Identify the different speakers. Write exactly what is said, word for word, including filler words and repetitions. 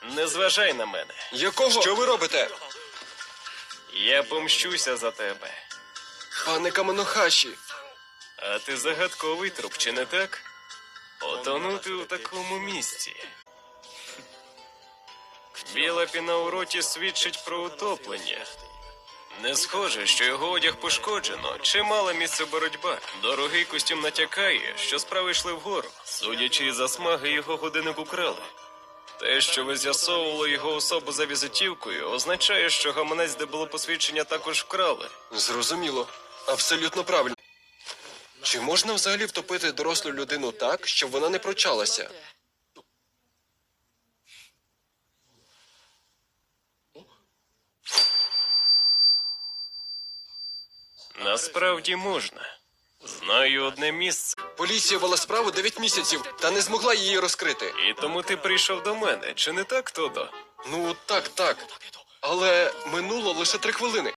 Speaker 1: Не зважай на мене.
Speaker 2: Якого? Що ви робите?
Speaker 1: Я помщуся за тебе.
Speaker 2: Пане Камонохаші.
Speaker 1: А ти загадковий труп, чи не так? Потонути у такому місці. Біла піна у роті свідчить про утоплення. Не схоже, що його одяг пошкоджено, чимала місце боротьба. Дорогий костюм натякає, що справи йшли вгору. Судячи із засмаги, його годинник украли. Те, що ви з'ясовували його особу за візитівкою, означає, що гаманець, де було посвідчення, також вкрали.
Speaker 2: Зрозуміло. Абсолютно правильно. Чи можна взагалі втопити дорослу людину так, щоб вона не прочалася?
Speaker 1: Насправді можна. Знаю одне місце.
Speaker 2: Поліція вела справу дев'ять місяців та не змогла її розкрити.
Speaker 1: І тому ти прийшов до мене, чи не так, Тодо?
Speaker 2: Ну, так, так. Але минуло лише три хвилини.